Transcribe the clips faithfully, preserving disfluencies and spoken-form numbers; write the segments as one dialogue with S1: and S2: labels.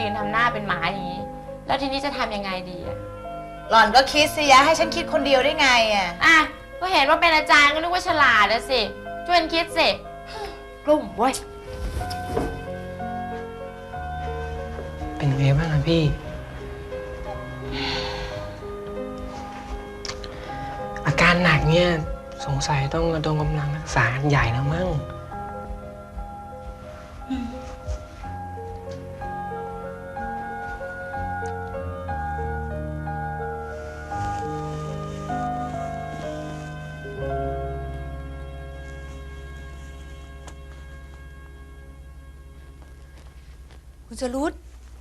S1: ยืนทำหน้าเป็นหมาอย่างนี้แล้วทีนี้จะทำยังไงดีอะ
S2: หล่อนก็คิดสิยะให้ฉันคิดคนเดียวได้ไงอะ
S1: อ่ะก็เห็นว่าเป็นอาจารย์ก็นึกว่าฉลาดนะสิช่วยคิดสิกลุ่มเว้ย
S3: เป็นไงบ้างอะพี่อาการหนักเนี่ยสงสัยต้องระดมกำลังรักษากันใหญ่แล้วมั้ง
S4: คุณจรุด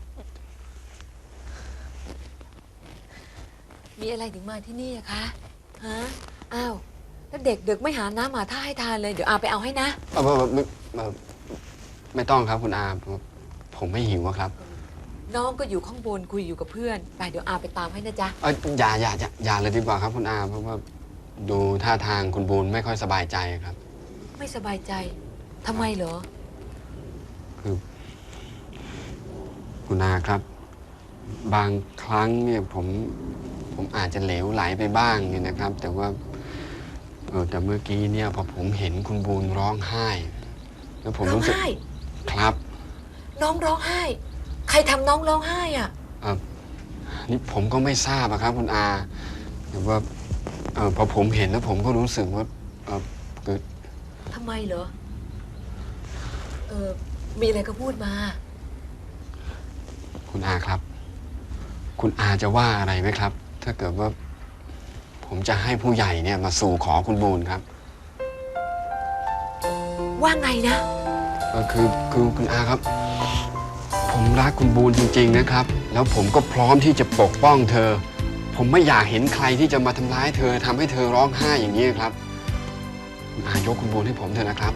S4: มีอะไรถึงมาที่นี่อะคะฮะอ้าวแล้วเด็กเด็กไม่หาน้ำหาท่าให้ทานเลยเดี๋ยวอาไปเอาให้นะ
S5: เออไม่ไม่ไม่ต้องครับคุณอาผมไม่หิวครับ
S4: น้องก็อยู่ข้างบนคุยอยู่กับเพื่อนไปเดี๋ยวอาไปตามให้นะจ๊ะ
S5: เอออย่าอย่าอย่าอย่าเลยดีกว่าครับคุณอาเพราะว่าดูท่าทางคุณบูนไม่ค่อยสบายใจครับ
S4: ไม่สบายใจทำไมเหรอ
S5: คือคุณอาครับ บางครั้งเนี่ยผมผมอาจจะเหลวไหลไปบ้างเนี่ยนะครับ แต่ว่าเออแต่เมื่อกี้เนี่ยพอผมเห็นคุณบูนร้องไห้แล้วผมรู้สึกครับ
S4: น้องร้องไห้ใครทำน้องร้องไห้อ่ะ
S5: เออนี่ผมก็ไม่ทราบอะครับคุณอาแต่ว่าเออพอผมเห็นแล้วผมก็รู้สึกว่าเออเกิด
S4: ทำไมเหรอเออมีอะไรก็พูดมา
S5: คุณอาครับคุณอาจะว่าอะไรไหมครับถ้าเกิดว่าผมจะให้ผู้ใหญ่เนี่ยมาสู่ขอคุณบูนครับ
S4: ว่าไงนะ
S5: ก็คือคือคุณอาครับผมรักคุณบูนจริงๆนะครับแล้วผมก็พร้อมที่จะปกป้องเธอผมไม่อยากเห็นใครที่จะมาทำร้ายเธอทำให้เธอร้องไห้อย่างนี้ครับคุณอายกคุณบูนให้ผมเถอะนะครับ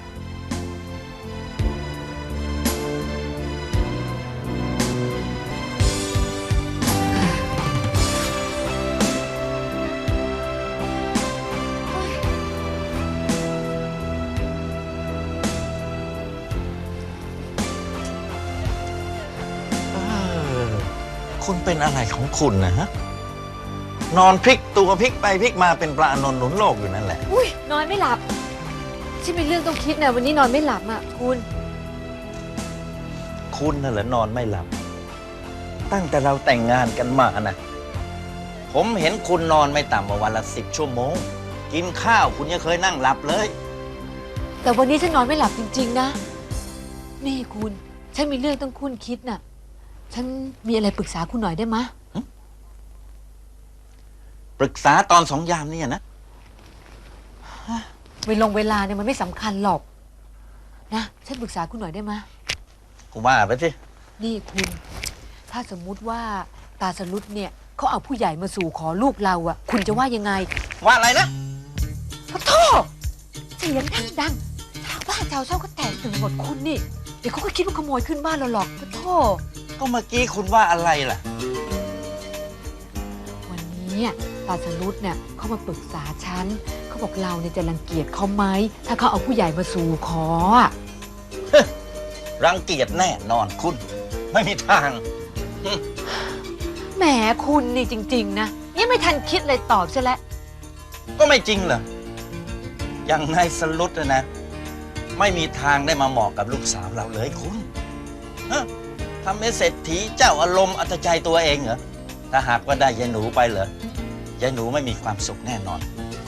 S6: คุณเป็นอะไรของคุณนะฮะนอนพลิกตัวพลิกไปพลิกมาเป็นปลาอนนท์หนุนโลกอยู่นั่นแหละ
S4: อุ้ยนอนไม่หลับฉันมีเรื่องต้องคิดนะวันนี้นอนไม่หลับอ่ะคุณ
S6: คุณน่ะเหรอนอนไม่หลับตั้งแต่เราแต่งงานกันมานะผมเห็นคุณนอนไม่ต่ำกว่าวันละสิบชั่วโมงกินข้าวคุณยังเคยนั่งหลับเลย
S4: แต่วันนี้ฉันนอนไม่หลับจริงๆนะนี่คุณฉันมีเรื่องต้องคุณคิดน่ะฉันมีอะไรปรึกษาคุณหน่อยได้ไหม
S6: ปรึกษาตอนสองยามนี่นะ
S4: เวลงเวลาเนี่ยมันไม่สำคัญหรอกนะฉันปรึกษาคุณหน่อยได้ไหม
S6: กูว่าไปสิ
S4: นี่คุณถ้าสมมุติว่าตาสรุตเนี่ยเขาเอาผู้ใหญ่มาสู่ขอลูกเราอ่ะคุณจะว่ายังไง
S6: ว่าอะไรนะ
S4: ขอโทษเสียงดังๆชาวบ้านชาวช่องก็แตกตื่นหมดคุณนี่เดี๋ยวเขาก็คิดว่าขโมยขึ้นบ้านเราหรอกขอโทษ
S6: ก็เมื่อกี้คุณว่าอะไรล่ะ
S4: วันนี้ตาสรุตเนี่ยเขามาปรึกษาฉันเขาบอกเราเนี่ยจะรังเกียจเขาไหมถ้าเขาเอาผู้ใหญ่มาสู่ขอ
S6: รังเกียจแน่นอนคุณไม่มีทาง
S4: แหมคุณนี่จริงๆนะยังไม่ทันคิดเลยตอบใช่แล้ว
S6: ก็ไม่จริงเหรออย่างนายสรุตนะนะไม่มีทางได้มาเหมาะกับลูกสาวเราเลยคุณฮะทำให้เศรษฐีเจ้าอารมณ์อัตใจตัวเองเหรอถ้าหากว่าได้ยายหนูไปเหรอยายหนูไม่มีความสุขแน่นอน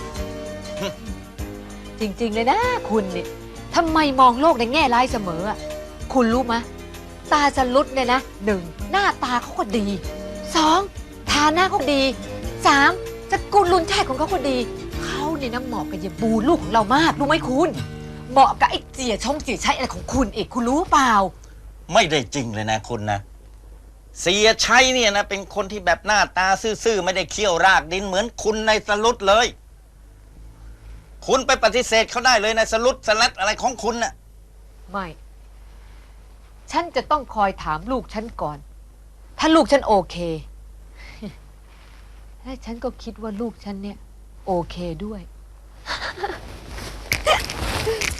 S4: จริงๆเลยนะคุณนี่ทำไมมองโลกในแง่ร้ายเสมออ่ะคุณรู้ไหมตาสรุตเนี่ยนะหนึ่งหน้าตาเขาก็ดีสองฐานะเขาดีสามสกุลลุนแท้ของเขาก็ดีเขาเนี่ยนะเหมาะกับยายบูลูกของเรามากรู้ไหมคุณเหมาะกับไอ้เจี๋ยชงเจี๋ยชัยอะไรของคุณเอกคุณรู้เปล่า
S6: ไม่ได้จริงเลยนะคุณนะเสียชัยเนี่ยนะเป็นคนที่แบบหน้าตาซื่อๆไม่ได้เคี่ยวรากดินเหมือนคุณในสรุตเลยคุณไปปฏิเสธเขาได้เลยในสรุตสลัดอะไรของคุณน่ะ
S4: ไม่ฉันจะต้องคอยถามลูกฉันก่อนถ้าลูกฉันโอเคและฉันก็คิดว่าลูกฉันเนี่ยโอเคด้วย